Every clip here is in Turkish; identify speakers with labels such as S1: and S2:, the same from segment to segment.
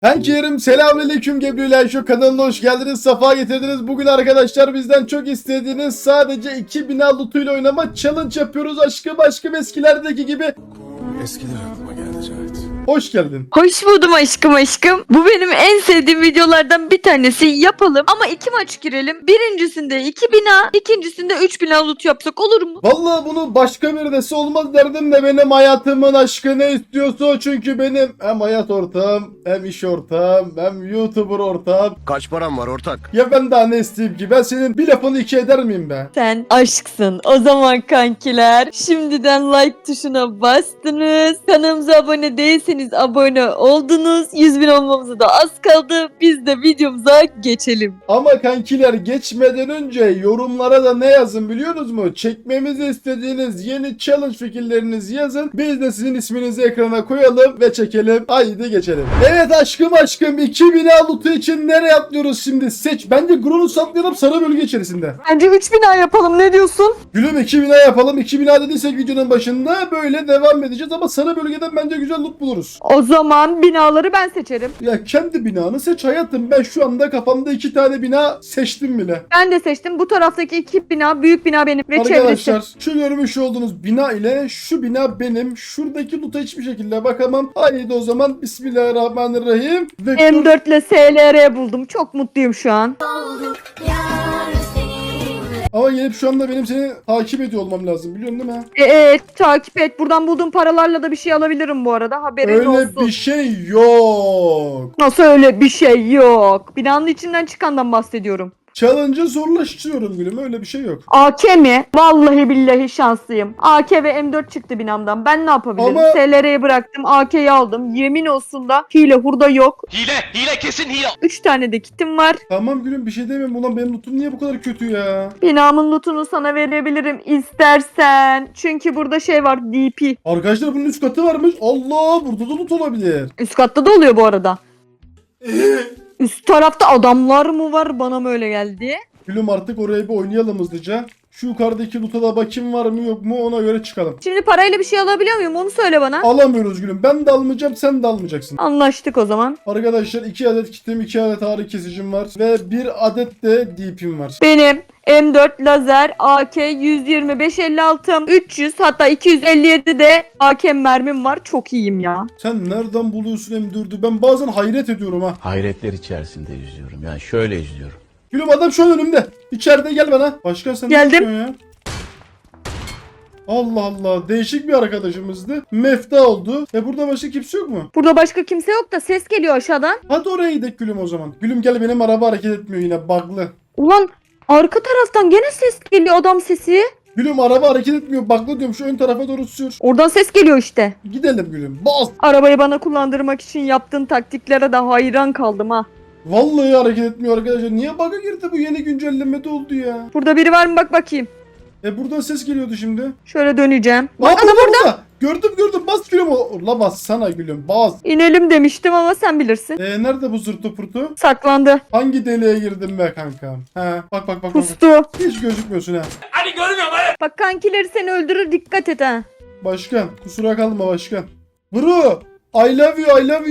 S1: Herkese selamünaleyküm Gebri'yle şu kanalına hoş geldiniz, safa getirdiniz. Bugün arkadaşlar bizden çok istediğiniz sadece 2 bina lootuyla oynama challenge yapıyoruz. Aşkım eskilerdeki gibi.
S2: Eskiler aklıma geldi Cahit.
S1: Hoş geldin.
S3: Hoş buldum aşkım. Bu benim en sevdiğim videolardan bir tanesi. Yapalım ama 2 maç girelim. Birincisinde 2 bina, ikincisinde 3 bina loot yapsak olur mu?
S1: Vallahi bunu başka bir dese olmaz derdim de benim hayatımın aşkı ne istiyorsa o, çünkü benim hem hayat ortağım, hem iş ortağım, hem YouTuber ortağım.
S2: Kaç param var ortak?
S1: Ya ben daha ne isteyeyim ki? Ben senin bir lafını iki eder miyim be?
S3: Sen aşksın. O zaman kankiler şimdiden like tuşuna bastınız. Kanalımıza abone değilseniz abone oldunuz. 100.000 olmamıza da az kaldı. Biz de videomuza geçelim.
S1: Ama kankiler geçmeden önce yorumlara da ne yazın biliyorsunuz mu? Çekmemizi istediğiniz yeni challenge fikirlerinizi yazın. Biz de sizin isminizi ekrana koyalım ve çekelim. Haydi geçelim. Evet aşkım 2000 loot'u için nereye atlıyoruz şimdi? Seç. Bence Gronus atlayalım sarı bölge içerisinde.
S3: Bence 3 bina yapalım, ne diyorsun?
S1: Gülüm 2000 yapalım. 2000 dediysek videonun başında böyle devam edeceğiz ama sarı bölgeden bence güzel loot buluruz.
S3: O zaman binaları ben seçerim.
S1: Ya kendi binanı seç hayatım. Ben şu anda kafamda 2 tane bina seçtim bile.
S3: Ben de seçtim. Bu taraftaki 2 bina, büyük bina benim ve çevresi.
S1: Arkadaşlar şu görmüş olduğunuz bina ile şu bina benim. Şuradaki loot'a hiçbir şekilde bakamam. Haydi o zaman Bismillahirrahmanirrahim.
S3: M4 ile SLR buldum. Çok mutluyum şu an.
S1: Ama gelip şu anda benim seni takip ediyor olmam lazım, biliyorsun değil mi?
S3: Evet, takip et. Buradan bulduğum paralarla da bir şey alabilirim bu arada. Haberin
S1: Öyle
S3: olsun.
S1: bir şey yok.
S3: Nasıl öyle bir şey yok? Binanın içinden çıkandan bahsediyorum.
S1: Challenge'ı zorlaştırıyorum gülüm, öyle bir şey yok.
S3: AK mi? Vallahi billahi şanslıyım. AK ve M4 çıktı binamdan. Ben ne yapabilirim?
S1: Ama-
S3: SLR'ye bıraktım. AK'yi aldım. Yemin olsun da hile hurda yok.
S4: Hile kesin hile.
S3: 3 tane de kitim var.
S1: Tamam gülüm, bir şey demem. Ulan benim lootum niye bu kadar kötü ya?
S3: Binamın lootunu sana verebilirim istersen. Çünkü burada şey var, DP.
S1: Arkadaşlar bunun 3 katı varmış. Allah, burada da loot olabilir.
S3: Üst katta da oluyor bu arada. Üst tarafta adamlar mı var? Bana mı öyle geldi?
S1: Gülüm artık oraya bir oynayalım hızlıca. Şu yukarıdaki loot'a da bakayım var mı yok mu, ona göre çıkalım.
S3: Şimdi parayla bir şey alabiliyor muyum? Onu söyle bana.
S1: Alamıyoruz gülüm. Ben de almayacağım, sen de almayacaksın.
S3: Anlaştık o zaman.
S1: Arkadaşlar 2 adet kitim, 2 adet ağrı kesicim var ve 1 adet de DP'm var.
S3: Benim M4 lazer AK 125 56 300 hatta 257 de AK mermim var. Çok iyiyim ya.
S1: Sen nereden buluyorsun M4'ü? Ben bazen hayret ediyorum ha.
S5: Hayretler içerisinde yüzüyorum. Yani şöyle yüzüyorum.
S1: Gülüm adam şu an önümde. İçeride, gel bana. Başkan sen ne
S3: Geldim.
S1: yapıyorsun ya? Allah Allah, değişik bir arkadaşımızdı. Mefta oldu. Burada başka kimse yok mu?
S3: Burada başka kimse yok da ses geliyor aşağıdan.
S1: Hadi oraya gidelim gülüm o zaman. Gülüm gel, benim araba hareket etmiyor yine, bug'lı.
S3: Ulan arka taraftan gene ses geliyor, adam sesi.
S1: Gülüm araba hareket etmiyor, bug'lı diyorum, şu ön tarafa doğru sür.
S3: Oradan ses geliyor işte.
S1: Gidelim gülüm. Bas.
S3: Arabayı bana kullandırmak için yaptığın taktiklere de hayran kaldım ha.
S1: Vallahi hareket etmiyor arkadaşlar. Niye bug'a girdi, bu yeni güncellemede oldu ya?
S3: Burada biri var mı bak bakayım.
S1: Buradan ses geliyordu şimdi.
S3: Şöyle döneceğim.
S1: Aa,
S3: Bak adam orada.
S1: Gördüm, bas gülüm. La bas sana gülüm, bas.
S3: İnelim demiştim ama sen bilirsin.
S1: Nerede bu zırtı pırtı?
S3: Saklandı.
S1: Hangi deliğe girdim be kankam? He, bak.
S3: Pustu.
S1: Hiç gözükmüyorsun ha.
S4: Hadi görmüyorum hadi.
S3: Bak kankileri seni öldürür, dikkat et ha.
S1: Başkan, kusura kalma başkan. Bro, I love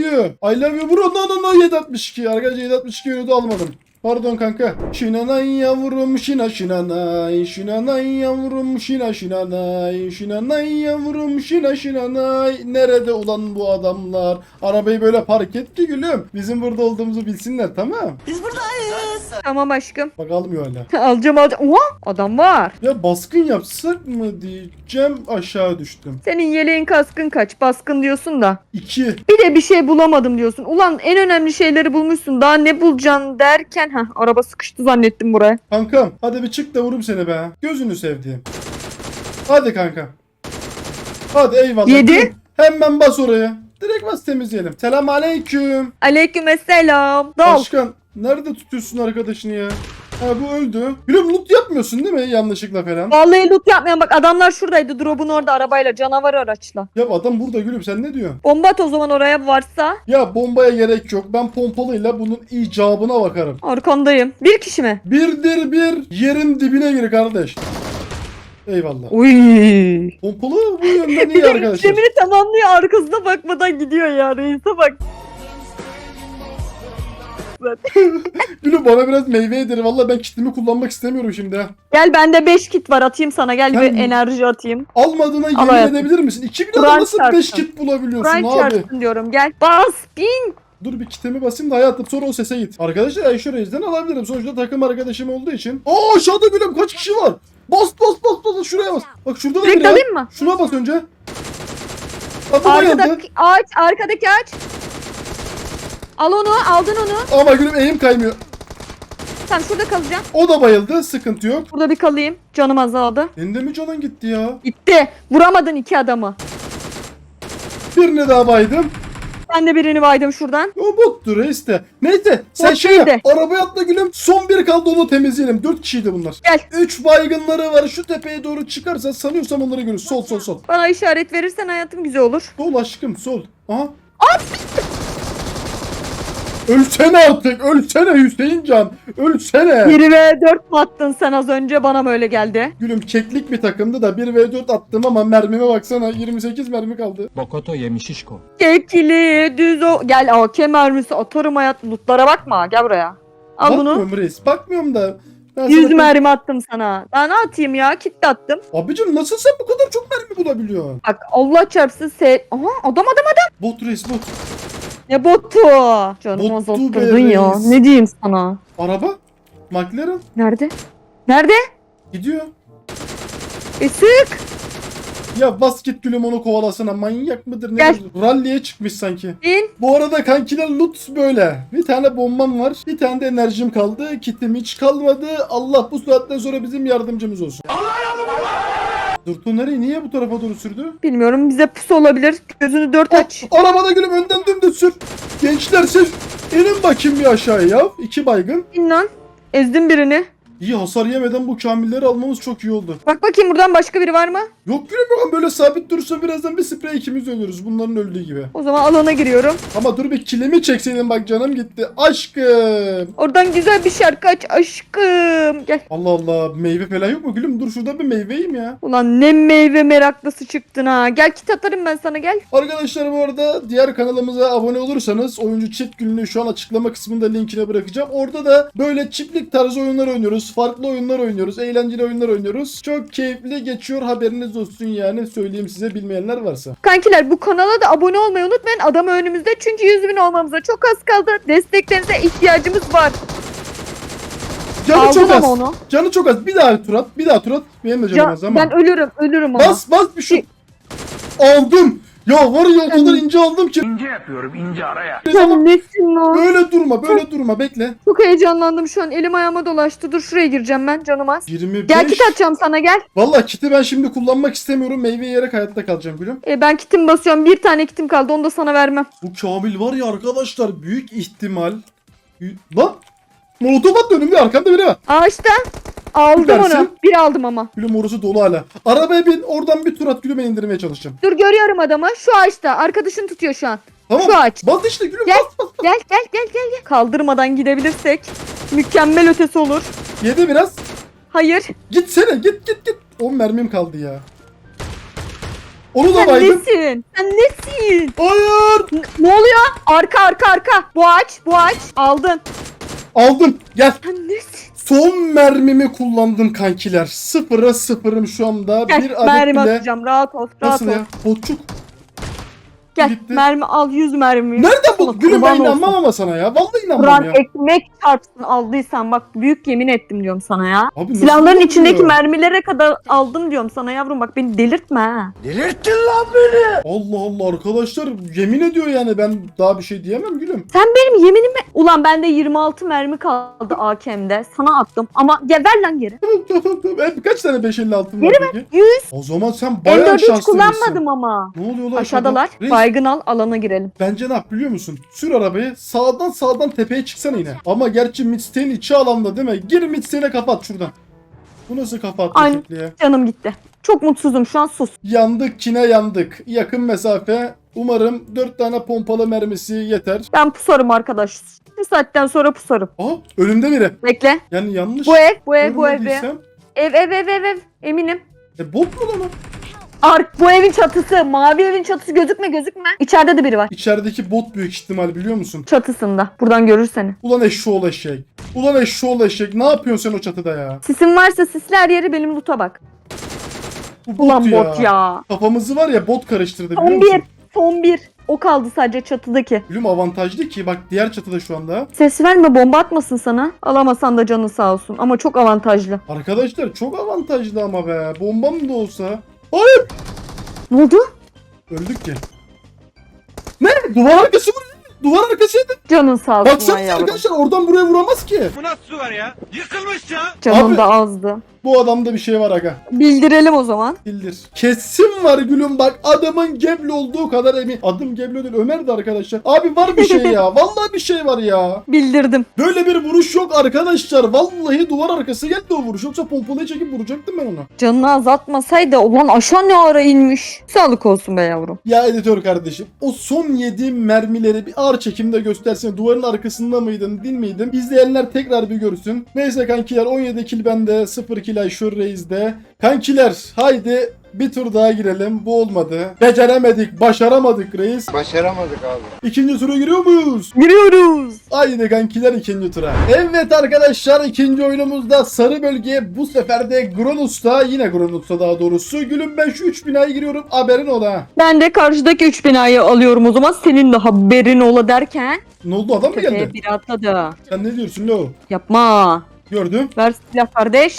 S1: you bro. No 762. Arkadaşlar 762 yönü almadım. Pardon kanka. Şinanay yavrum şinanay. Şinanay yavrum şinanay. Şinanay yavrum şinanay. Nerede ulan bu adamlar? Arabayı böyle park et ki gülüm. Bizim burada olduğumuzu bilsinler, tamam.
S3: Tamam aşkım.
S1: Bak almıyor hala.
S3: Alacağım. Oha, adam var.
S1: Ya baskın yapsak mı diyeceğim, aşağı düştüm.
S3: Senin yeleğin kaskın kaç? Baskın diyorsun da.
S1: 2.
S3: Bir de bir şey bulamadım diyorsun. Ulan en önemli şeyleri bulmuşsun. Daha ne bulacaksın derken. Araba sıkıştı zannettim buraya.
S1: Kankam hadi bir çık da vurum seni be. Gözünü sevdiğim. Hadi kanka. Hadi eyvallah.
S3: 7.
S1: Hemen bas oraya. Direkt bas, temizleyelim. Selam aleyküm.
S3: Aleykümselam. Dal.
S1: Başkan nerede tutuyorsun arkadaşını ya? Ha, bu öldü. Gülüm loot yapmıyorsun değil mi yanlışlıkla falan?
S3: Vallahi loot yapmayan, bak adamlar şuradaydı. Drop'un orada arabayla, canavar araçla.
S1: Ya adam burada gülüm, sen ne diyorsun?
S3: Bomba at o zaman oraya varsa.
S1: Ya bombaya gerek yok. Ben pompalıyla bunun icabına bakarım.
S3: Arkandayım. Bir kişi mi?
S1: Birdir bir, yerin dibine gir kardeş. Eyvallah.
S3: Uy.
S1: Pompalı bu yönden
S3: Bir
S1: iyi
S3: de
S1: arkadaşlar.
S3: işlemini tamamlıyor, arkasına bakmadan gidiyor ya, reise bak. zaten.
S1: Gülüm bana biraz meyve yedir. Valla ben kitimi kullanmak istemiyorum şimdi ha.
S3: Gel bende 5 kit var atayım sana. Gel
S1: Ben-
S3: bir enerji atayım.
S1: Almadığına
S3: Al
S1: yemin
S3: hayatım.
S1: edebilir misin? 2000
S3: Kur'an
S1: lira nasıl 5
S3: çarpsın.
S1: kit bulabiliyorsun
S3: Kur'an
S1: abi?
S3: çarpsın diyorum gel. Bas bin.
S1: Dur bir kitimi basayım da hayatım sonra o sese git. Arkadaşlar Ayşe Reis'den alabilirim. Sonuçta takım arkadaşım olduğu için. Aa aşağıda gülüm kaç kişi var? Bas bas bas bas şuraya bas. Bak şurada da
S3: Direkt
S1: biri ya.
S3: alayım mı?
S1: Şuna bas önce. Bak bu bayıldı.
S3: Arkadaki ağaç, arkadaki ağaç. Al onu, aldın onu.
S1: Ama gülüm eğim kaymıyor.
S3: Sen şurada kalacaksın.
S1: O da bayıldı. Sıkıntı yok.
S3: Burada bir kalayım. Canım azaldı.
S1: Senin de mi canın gitti ya?
S3: Gitti. Vuramadın 2 adamı.
S1: Birini daha baydım.
S3: Ben de birini baydım şuradan.
S1: O bottu reis de. Neyse sen
S3: Bot
S1: şey yap.
S3: değildi.
S1: Arabaya atla gülüm. Son bir kaldı onu temizleyelim. 4 kişiydi bunlar.
S3: Gel.
S1: 3 baygınları var. Şu tepeye doğru çıkarsa sanıyorsam onları görürüz. Sol sol sol.
S3: Bana işaret verirsen hayatım güzel olur.
S1: Sol aşkım sol. Aha. Ölsene artık. Ölsene Hüseyin Can. Ölsene.
S3: 1 ve 4 mu attın sen az önce? Bana mı öyle geldi?
S1: Gülüm keklik bir takımdı da 1v4 attım ama mermime baksana 28 mermi kaldı.
S6: Bokoto yemişişko.
S3: Kekili düz o. Gel AK mermisi atarım hayat. Lootlara bakma. Gel buraya. Al bunu.
S1: Bakmıyorum reis. Bakmıyorum da. Ben
S3: 100
S1: sana-
S3: mermi attım sana. Daha ne atayım ya? Kit de attım.
S1: Abicim nasıl sen bu kadar çok mermi bulabiliyorsun?
S3: Bak Allah çarpsın Aha adam.
S1: Bot reis bot.
S3: Ne botu? Canım
S1: Bottu
S3: azalttırdın
S1: be
S3: ya.
S1: reis.
S3: Ne diyeyim sana?
S1: Araba. McLaren.
S3: Nerede? Nerede?
S1: Gidiyor.
S3: Sık.
S1: Ya bas git gülüm onu kovalasana. Manyak mıdır?
S3: Gel.
S1: Nedir? Rally'e çıkmış sanki.
S3: İn.
S1: Bu arada kankiler loot böyle. Bir tane bombam var. Bir tane de enerjim kaldı. Kitim hiç kalmadı. Allah bu saatten sonra bizim yardımcımız olsun. Durtu nereye? Niye bu tarafa doğru sürdü?
S3: Bilmiyorum bize pusu olabilir. Gözünü 4 aç.
S1: Arabada gülüm önden dümdüz sür. Gençler siz inin bakayım bir aşağıya ya. 2 baygın.
S3: İn lan. Ezdim birini.
S1: İyi hasar yemeden bu kamilleri almamız çok iyi oldu.
S3: Bak bakayım buradan başka biri var mı?
S1: Yok gülüm yok böyle sabit durursa birazdan bir sprey ikimiz ölürüz. Bunların öldüğü gibi.
S3: O zaman alana giriyorum.
S1: Ama dur bir kilimi çekseydin bak canım gitti. Aşkım.
S3: Oradan güzel bir şarkı aç aşkım. Gel.
S1: Allah Allah meyve falan yok mu gülüm? Dur şurada bir meyve yiyeyim ya.
S3: Ulan ne meyve meraklısı çıktın ha. Gel kit atarım ben sana gel.
S1: Arkadaşlar bu arada diğer kanalımıza abone olursanız oyuncu chat günlüğü şu an açıklama kısmında linkine bırakacağım. Orada da böyle çiftlik tarzı oyunlar oynuyoruz. Farklı oyunlar oynuyoruz. Eğlenceli oyunlar oynuyoruz. Çok keyifli geçiyor haberiniz olsun yani. Söyleyeyim size bilmeyenler varsa.
S3: Kankiler bu kanala da abone olmayı unutmayın. Adam önümüzde çünkü 100.000 olmamıza çok az kaldı. Desteklerinize ihtiyacımız var.
S1: Canı
S3: Aldım
S1: çok az.
S3: ama onu.
S1: Canı çok az. Bir daha tur at. Bir daha tur at. Benim de canım az ama.
S3: Ben ölürüm ama.
S1: Bas bir şu. Aldım. Ya var ya o kadar ince aldım ki.
S4: İnce yapıyorum ince araya.
S3: Sen nesin lan?
S1: Böyle durma bekle.
S3: Çok heyecanlandım şu an. Elim ayağıma dolaştı. Dur şuraya gireceğim ben canım az.
S1: 25.
S3: Gel kit atacağım sana gel.
S1: Vallahi kiti ben şimdi kullanmak istemiyorum. Meyve yiyerek hayatta kalacağım gülüm.
S3: Ben kitim basıyorum. Bir tane kitim kaldı. Onu da sana vermem.
S1: Bu Kamil var ya arkadaşlar büyük ihtimal. Lan! Molotof attı önümde arkamda biri var.
S3: Ağaçta. Aldım
S1: Süpersin.
S3: onu. Bir aldım ama.
S1: Gülüm orası dolu hala. Arabaya bin oradan bir tur at gülüm ben indirmeye çalışacağım.
S3: Dur görüyorum adamı. Şu ağaçta. Arkadaşın tutuyor şu an.
S1: Tamam.
S3: Şu ağaç.
S1: Bas işte gülüm
S3: Gel.
S1: bas.
S3: Gel. Kaldırmadan gidebilirsek mükemmel ötesi olur.
S1: Yedi biraz.
S3: Hayır.
S1: Gitsene git. 10 mermim kaldı ya. Onu da
S3: Sen
S1: baydım.
S3: nesin? Sen nesin?
S1: Hayır.
S3: Ne oluyor? Arka. Bu ağaç. Aldın.
S1: Aldım. Gel.
S3: Sen nesin?
S1: Son mermimi kullandım kankiler. 0'a 0'ım şu anda.
S3: Gel
S1: Bir adet
S3: mermi
S1: bile.
S3: atacağım. Rahat ol.
S1: Nasıl ya? Botçuk.
S3: Gel
S1: Gitti.
S3: mermi al 100 mermi.
S1: Nereden bu? Gülüm ben
S3: Kurban olsun.
S1: inanmam ama sana ya. Vallahi inanmam
S3: Kur'an
S1: ya.
S3: ekmek çarpsın aldıysan bak büyük yemin ettim diyorum sana ya.
S1: Abi nasıl
S3: Silahların
S1: oluyor?
S3: içindeki mermilere kadar aldım diyorum sana yavrum bak beni delirtme ha.
S1: Allah Allah arkadaşlar yemin ediyor yani ben daha bir şey diyemem gülüm.
S3: Sen benim yeminimi... Ulan bende 26 mermi kaldı AKM'de. Sana attım ama ver lan geri.
S1: Tamam. Kaç tane 556 var peki?
S3: 100.
S1: O zaman sen bayağı
S3: M4 hiç
S1: şanslıymışsın.
S3: kullanmadım ama.
S1: Ne oluyor lan
S3: Aşağıdalar.
S1: aşağıda? Reis,
S3: Baygın al alana girelim.
S1: bence ne yap biliyor musun? Sür arabayı sağdan tepeye çıksana yine. Ama gerçi midstay'in içi alanda değil mi? Gir midstay'ine kapat şuradan. Bu nasıl kapat
S3: Aynen.
S1: ya?
S3: Canım gitti. Çok mutsuzum şu an sus.
S1: Yandık kine yandık. Yakın mesafe. Umarım 4 tane pompalı mermisi yeter.
S3: Ben pusarım arkadaş. Bir saatten sonra pusarım.
S1: Aha önümde biri.
S3: Bekle.
S1: Yani yanlış
S3: Bu ev.
S1: görmediysem.
S3: Ev. Eminim.
S1: Bot mu lan o?
S3: Bu evin çatısı. Mavi evin çatısı gözükme. İçeride de biri var.
S1: İçerideki bot büyük ihtimal biliyor musun?
S3: Çatısında. Buradan görür seni.
S1: Ulan eşşoğlu eşek. Ulan eşşoğlu eşek. Ne yapıyorsun sen o çatıda ya?
S3: Sisin varsa sisli her yeri benim loot'a bak.
S1: Bu
S3: Ulan bot ya.
S1: Kafamızı var ya bot karıştırdı biliyor
S3: Son
S1: musun?
S3: bir. Son bir. O kaldı sadece çatıdaki.
S1: Gülüm avantajlı ki bak diğer çatıda şu anda.
S3: Ses verme, bomba atmasın sana. Alamasan da canı sağ olsun. Ama çok avantajlı.
S1: Arkadaşlar çok avantajlı ama be. Bombam da olsa. Hayır.
S3: Ne oldu?
S1: Öldük ki. Ne? Duvar arkası mı? Duvar arkasıydı.
S3: Canın sağ olsun.
S1: Baksanıza
S3: lan yavrum.
S1: arkadaşlar oradan buraya vuramaz ki.
S4: Bu nasıl su var ya? Yıkılmış ya.
S3: Canım
S1: Abi-
S3: da azdı.
S1: Bu adamda bir şey var aga.
S3: Bildirelim o zaman.
S1: Bildir. Kesin var gülüm bak adamın Gebli olduğu kadar emin. Adım Gebli değil Ömer'di arkadaşlar. Abi var bir şey ya. Vallahi bir şey var ya.
S3: Bildirdim.
S1: Böyle bir vuruş yok arkadaşlar. Vallahi duvar arkası geldi o vuruş. Yoksa pompalayı çekip vuracaktım ben onu.
S3: Canını azaltmasaydı ulan aşağı ne ara inmiş. Sağlık olsun be yavrum.
S1: Ya editör kardeşim o son yediğim mermileri bir ağır çekimde göstersene. Duvarın arkasında mıydın değil miydim? İzleyenler tekrar bir görsün. Neyse kankiler 17 kill bende 0 kill Ayşur Reis'de. Kankiler haydi bir tur daha girelim. Bu olmadı. Beceremedik, başaramadık reis.
S2: Başaramadık abi.
S1: İkinci tura giriyor muyuz?
S3: Giriyoruz.
S1: Haydi kankiler ikinci tura. Evet arkadaşlar ikinci oyunumuzda sarı bölge bu sefer de Gronus'ta yine Gronus'ta daha doğrusu. Gülüm ben şu 3 binaya giriyorum haberin ola.
S3: Ben de karşıdaki 3 binayı alıyorum o zaman. Senin de haberin ola derken.
S1: Ne oldu adam mı geldi?
S3: Tepeye bir atladı.
S1: Sen ne diyorsun lo?
S3: Yapma.
S1: Gördüm.
S3: Ver silah kardeş.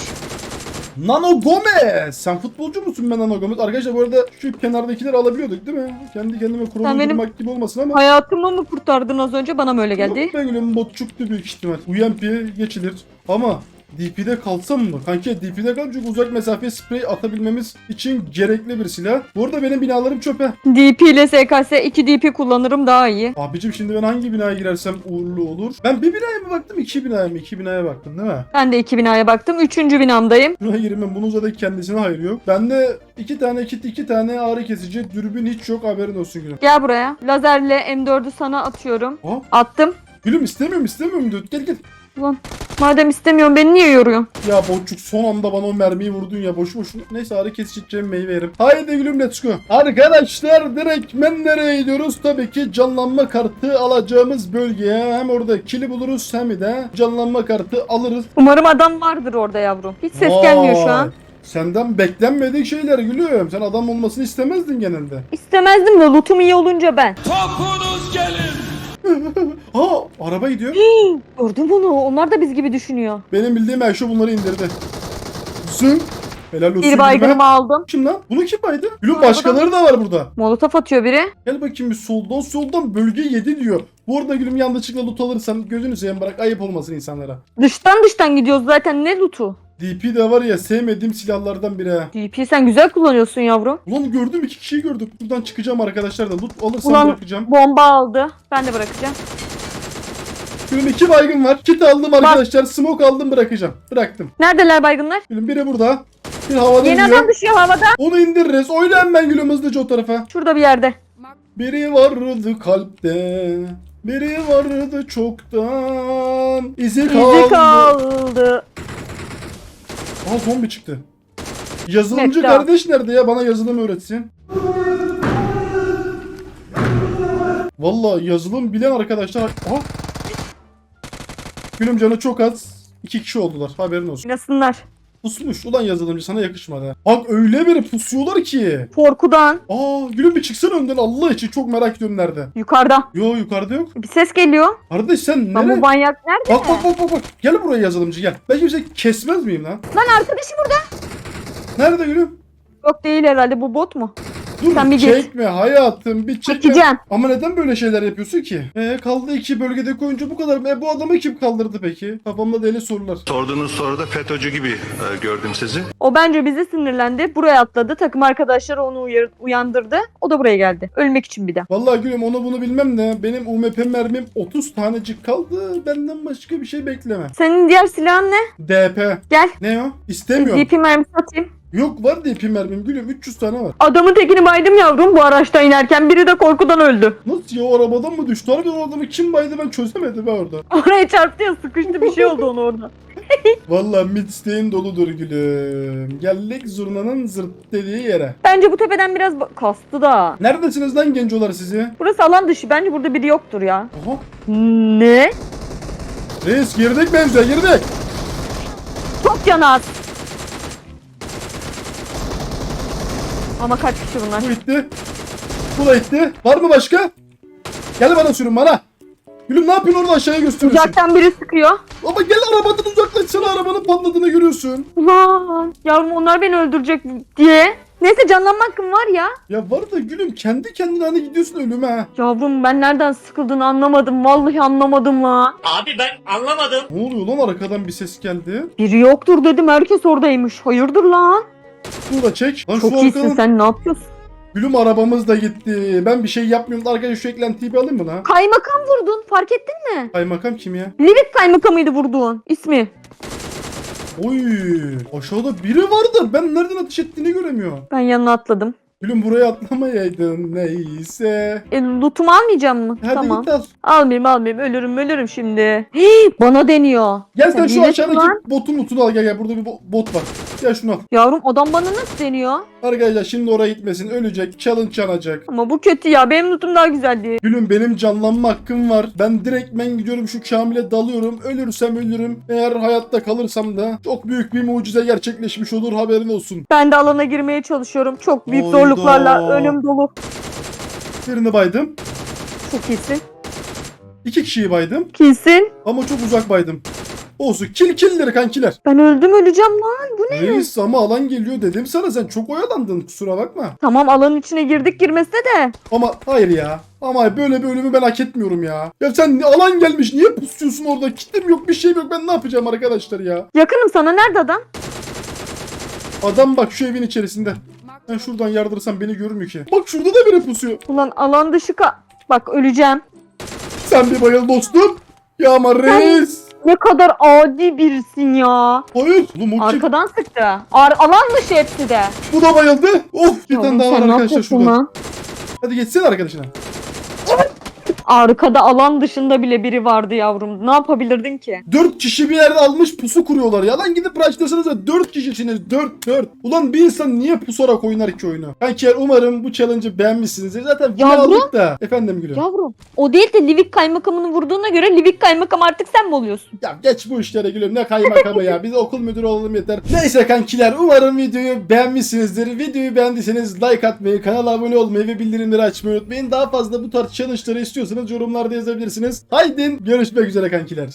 S1: Nano Gomez. Sen futbolcu musun ben Nano Gomez? Arkadaşlar bu arada şu kenardakileri alabiliyorduk değil mi? Kendi kendime
S3: Sen
S1: kurulu
S3: benim-
S1: durmak gibi olmasın ama.
S3: Hayatımı mı kurtardın az önce? Bana mı öyle geldi?
S1: Yok be gülüm botçuktu büyük ihtimal. UMP'ye geçilir. Ama DP'de kalsam mı? Kanki DP'de kal çünkü uzak mesafeye sprey atabilmemiz için gerekli bir silah. Bu arada benim binalarım çöpe.
S3: DP ile SKS 2 DP kullanırım daha iyi.
S1: Abicim şimdi ben hangi binaya girersem uğurlu olur? Ben bir binaya mı baktım iki binaya mı? İki binaya baktım değil mi?
S3: Ben de 2 binaya baktım. 3. binamdayım.
S1: Buna girmem. Bunun zaten kendisine hayır yok. Bende 2 tane kit, 2 tane ağrı kesici, dürbün hiç yok haberin olsun gülüm.
S3: Gel buraya. Lazerle M4'ü sana atıyorum.
S1: Ha?
S3: Attım.
S1: Gülüm istemiyorum diyor. Gel.
S3: Ulan madem istemiyorsun beni niye yoruyorsun?
S1: Ya boçuk son anda bana o mermiyi vurdun ya boşu boşuna. Neyse ağrı kesici meyve yerim. Haydi gülüm let's go. Arkadaşlar direkt nereye gidiyoruz? Tabii ki canlanma kartı alacağımız bölgeye. Hem orada kili buluruz hem de canlanma kartı alırız.
S3: Umarım adam vardır orada yavrum. Hiç ses
S1: Vay.
S3: gelmiyor şu an.
S1: Senden beklenmedik şeyler gülüm. Sen adam olmasını istemezdin genelde.
S3: İstemezdim de lootum iyi olunca ben.
S4: Topunuz gelin.
S1: Ha araba gidiyor.
S3: Gördün bunu. Onlar da biz gibi düşünüyor.
S1: Benim bildiğim Ayşe bunları indirdi. Zın. Helal olsun.
S3: Bir
S1: gülüme.
S3: baygınımı aldım.
S1: Kim lan? Bunu kim baydı? Gülüm
S3: Arabadan-
S1: başkaları da var burada.
S3: Molotof atıyor biri.
S1: Gel bakayım bir soldan bölge 7 diyor. Bu arada gülüm yanlışlıkla loot alırsan gözünü seveyim bırak ayıp olmasın insanlara.
S3: Dıştan gidiyoruz zaten. Ne lootu?
S1: DP de var ya sevmediğim silahlardan biri ha.
S3: DP sen güzel kullanıyorsun yavrum.
S1: Ulan gördüm 2 kişiyi gördüm. Buradan çıkacağım arkadaşlar da loot alırsam
S3: Ulan
S1: bırakacağım.
S3: bomba aldı. Ben de bırakacağım.
S1: Gülüm 2 baygın var. Kit aldım arkadaşlar. Smoke aldım bırakacağım. Bıraktım.
S3: Neredeler baygınlar?
S1: Gülüm biri burada. Bir havada
S3: Yeni
S1: iniyor.
S3: adam düşüyor havada.
S1: Onu indiririz. Oyla hemen gülüm hızlıca o tarafa.
S3: Şurada bir yerde.
S1: Biri vardı kalpte. Biri vardı çoktan. İzi kaldı.
S3: İzi kaldı.
S1: Aa zombi çıktı. Yazılımcı
S3: Mekta.
S1: kardeş nerede ya? Bana yazılım öğretsin. Vallahi yazılım bilen arkadaşlar. Aa. Gülüm canı çok az. 2 kişi oldular. Haberin olsun.
S3: Oynasınlar.
S1: Pusmuş. Ulan yazılımcı sana yakışmadı ha. Bak öyle bir pusuyorlar ki.
S3: Korkudan.
S1: Aa gülüm bir çıksana önden Allah için çok merak ediyorum nerede.
S3: Yukarıda.
S1: Yo yukarıda yok.
S3: Bir ses geliyor.
S1: Kardeş sen
S3: Lan
S1: nereye?
S3: bu manyak nerede?
S1: Bak. Gel buraya yazılımcı gel. Ben kimse kesmez miyim lan?
S3: Lan arkadaşım burada.
S1: Nerede gülüm?
S3: Yok değil herhalde, bu bot mu?
S1: Dur
S3: Sen bir git.
S1: çekme hayatım bir çekme.
S3: Çekeceğim.
S1: Ama neden böyle şeyler yapıyorsun ki? Kaldı 2 bölgede oyuncu bu kadar. Bu adamı kim kaldırdı peki? Kafamda deli sorular.
S6: Sorduğunuz soruda FETÖ'cü gibi gördüm sizi.
S3: O bence bize sinirlendi. Buraya atladı. Takım arkadaşları onu uyandırdı. O da buraya geldi. Ölmek için bir de.
S1: Vallahi gülüm onu bunu bilmem de benim UMP mermim 30 tanecik kaldı. Benden başka bir şey bekleme.
S3: Senin diğer silahın ne?
S1: DP.
S3: Gel.
S1: Ne o? İstemiyorum.
S3: DP mermisi atayım.
S1: Yok var DP mermim gülüm 300 tane var.
S3: Adamın tekini baydım yavrum bu araçtan inerken. Biri de korkudan öldü.
S1: Nasıl ya o arabadan mı düştü? Harbiden o adamı kim baydı ben çözemedim ha orada.
S3: Oraya çarptı ya, sıkıştı bir şey oldu ona orada.
S1: Vallahi midsteğin doludur gülüm. Geldik zurnanın zırt dediği yere.
S3: Bence bu tepeden biraz kastı da.
S1: Neredesiniz lan gencolar sizi?
S3: Burası alan dışı. Bence burada biri yoktur ya.
S1: Aha.
S3: Ne?
S1: Reis girdik mevzuya girdik.
S3: Çok can az. Ama kaç kişi bunlar?
S1: Bu itti. Bu da itti. Var mı başka? Gel bana sürün bana. Gülüm ne yapıyorsun orada aşağıya gösteriyorsun?
S3: Uzaktan biri sıkıyor.
S1: Ama gel arabadan uzaklaşsana, arabanın patladığını görüyorsun.
S3: Ulan yavrum onlar beni öldürecek diye. Neyse canlanma hakkım var ya.
S1: Ya var da gülüm kendi kendine hani gidiyorsun ölüme ha.
S3: Yavrum ben nereden sıkıldığını anlamadım. Vallahi anlamadım la.
S1: Ne oluyor lan, arkadan bir ses geldi.
S3: Biri yoktur dedim herkes oradaymış. Hayırdır lan?
S1: Şunu da çek. Lan
S3: Çok
S1: şu
S3: iyisin
S1: arkadan
S3: sen ne yapıyorsun?
S1: gülüm arabamız da gitti. Ben bir şey yapmıyorum. Arkadaşlar şu eklentiyi bir alayım mı lan?
S3: Kaymakam vurdun fark ettin mi?
S1: Kaymakam kim ya?
S3: Livik kaymakamıydı vurduğun ismi.
S1: Oy, aşağıda biri vardı. Ben nereden ateş ettiğini göremiyorum.
S3: Ben yanına atladım.
S1: Gülüm buraya atlamayaydın neyse.
S3: Lootumu almayacağım mı?
S1: Hadi
S3: Tamam.
S1: git al.
S3: Almayayım ölürüm şimdi. Hii, bana deniyor.
S1: Gel sen şu
S3: iyileştin
S1: aşağıdaki
S3: lan.
S1: botun lootunu al, gel burada bir bot var. Gel şunu al.
S3: Yavrum adam bana nasıl deniyor?
S1: Arkadaşlar şimdi oraya gitmesin, ölecek, challenge yanacak.
S3: Ama bu kötü ya benim lootum daha güzeldi.
S1: Gülüm benim canlanma hakkım var. Ben direktmen gidiyorum şu Kamil'e dalıyorum. Ölürsem ölürüm. Eğer hayatta kalırsam da çok büyük bir mucize gerçekleşmiş olur, haberin olsun.
S3: Ben de alana girmeye çalışıyorum. Çok büyük
S1: Hayda.
S3: zorluklarla önüm dolu.
S1: Birini baydım.
S3: Çok iyisin.
S1: 2 kişiyi baydım.
S3: Kesin.
S1: Ama çok uzak baydım. Olsun. Killleri kankiler.
S3: Ben öldüm öleceğim lan. Bu ne?
S1: Reis ama alan geliyor dedim sana, sen çok oyalandın, kusura bakma.
S3: Tamam alanın içine girdik girmesine de.
S1: Ama hayır ya. Ama böyle bir ölümü ben hak etmiyorum ya. Ya sen alan gelmiş, niye pusuyorsun orada? Kitim yok, bir şeyim yok, ben ne yapacağım arkadaşlar ya?
S3: Yakınım sana nerede adam?
S1: Adam bak şu evin içerisinde. Ben şuradan yardırsam beni görmüyor ki. Bak şurada da biri pusuyor.
S3: Ulan alan dışı bak öleceğim.
S1: Sen bir bayıl dostum. Ya ama reis.
S3: Ne kadar adi birisin ya.
S1: Hayır. Oğlum o kim?
S3: Arkadan sıktı. Alan dışı hepsi de.
S1: Bu da bayıldı. Of, bir tane
S3: Yavrum,
S1: daha var
S3: sen ne
S1: arkadaşlar
S3: yapıyorsun
S1: şurada.
S3: lan?
S1: Hadi geçsene arkadaşına.
S3: Arkada alan dışında bile biri vardı yavrum. Ne yapabilirdin ki?
S1: 4 kişi bir yerde almış pusu kuruyorlar ya. Lan gidip rushlasanız da 4 kişisiniz. 4. Ulan bir insan niye pusarak oynar ki oyunu? Kankiler umarım bu challenge'ı beğenmişsinizdir. Zaten final
S3: Yavrum.
S1: aldık da. Efendim gülüm.
S3: Yavrum o değil de Livik kaymakamını vurduğuna göre Livik kaymakam artık sen mi oluyorsun?
S1: Ya geç bu işlere gülüm, ne kaymakamı ya. Biz okul müdürü olalım yeter. Neyse kankiler, umarım videoyu beğenmişsinizdir. Videoyu beğendiyseniz like atmayı, kanala abone olmayı ve bildirimleri açmayı unutmayın. Daha fazla bu tarz challenge'ları istiyorsanız yorumlarda yazabilirsiniz. Haydi görüşmek üzere kankiler.